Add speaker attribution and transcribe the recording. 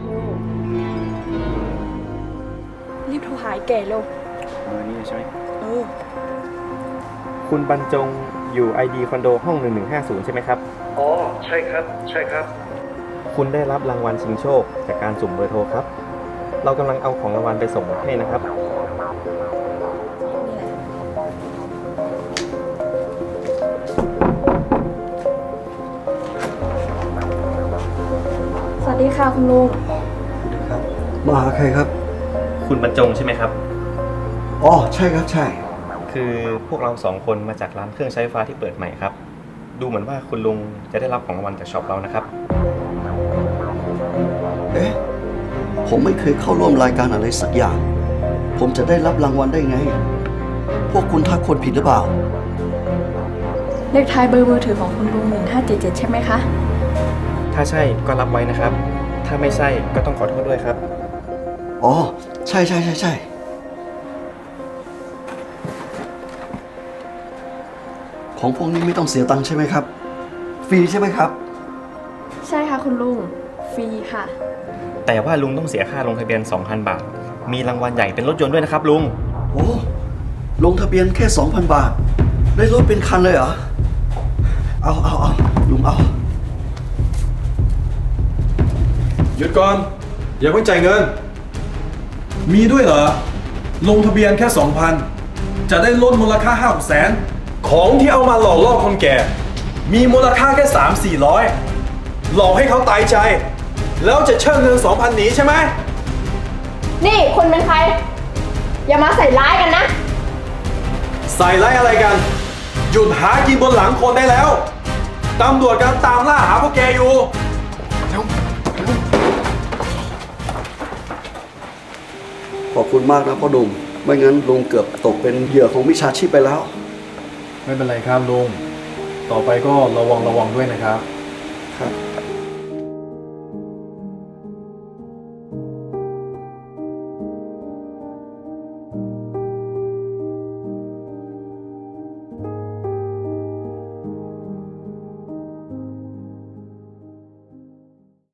Speaker 1: รีบโทรหาไอ้แก่เร็ว
Speaker 2: นี่ใช่ไหม
Speaker 1: อ
Speaker 2: คุณบรรจงอยู่ ID คอนโดห้อง1150ใช่ไหมครับ
Speaker 3: อ๋อใช่ครับใช่ครับ
Speaker 2: คุณได้รับรางวัลชิงโชคจากการสุ่มเบอร์โทรครับ เรากำลังเอาของรางวัลไปส่งให้นะครับ
Speaker 1: สวัสดีค่ะคุณลุง
Speaker 3: ครับมาหาใครครับ
Speaker 2: คุณบรรจงใช่ไหมครับ
Speaker 3: อ๋อใช่ครับใช่
Speaker 2: คือพวกเรา2 คนมาจากร้านเครื่องใช้ไฟฟ้าที่เปิดใหม่ครับ ดูเหมือนว่าคุณลุงจะได้รับของรางวัลจากช็อปเรานะครับ
Speaker 3: เอ๊ะผมไม่เคยเข้าร่วมรายการอะไรสักอย่างผมจะได้รับรางวัลได้ไงพวกคุณทักคนผิดหรือเปล่า
Speaker 1: เลขท้ายเบอร์มือถือของคุณลุง1577ใช่ไหมคะ
Speaker 2: ถ้าใช่ก็รับไว้นะครับ ถ้าไม่ใช่ก็ต้องขอโทษด้วยครับ
Speaker 3: อ๋อใช่ใช่ใช่ใช่ของพวกนี้ไม่ต้องเสียตังค์ใช่ไหมครับฟรีใช่ไหมครับ
Speaker 1: ใช่ค่ะคุณลุงฟรีค่ะ
Speaker 2: แต่ว่าลุงต้องเสียค่าลงทะเบียน 2,000 บาทมีรางวัลใหญ่เป็นรถยนต์ด้วยนะครับลุง
Speaker 3: โอ้ลงทะเบียนแค่ 2,000 บาทได้รถเป็นคันเลยเหรอเอาลุงเอา
Speaker 4: หยุดก่อนอย่าเพิ่งจ่ายเงินมีด้วยเหรอลงทะเบียนแค่ 2,000 จะได้ลดมูลค่า500,000ของที่เอามาหลอกล่อคนแก่มีมูลค่าแค่300-400หลอกให้เขาตายใจแล้วจะเชิญเงิน 2,000 หนีใช่ไหม
Speaker 1: นี่คุณเป็นใครอย่ามาใส่ร้ายกันนะ
Speaker 4: ใส่ร้ายอะไรกันหยุดหากินบนหลังคนได้แล้วตำรวจกำลังตามล่าหาพวกแกอยู่
Speaker 3: ขอบคุณมากนะพ่อหนุ่มไม่งั้นลุงเกือบตกเป็นเหยื่อของมิจฉาชีพไปแล้ว
Speaker 4: ไม่เป็นไรครับลุงต่อไปก็ระวังด้วยนะครับ
Speaker 3: ครับ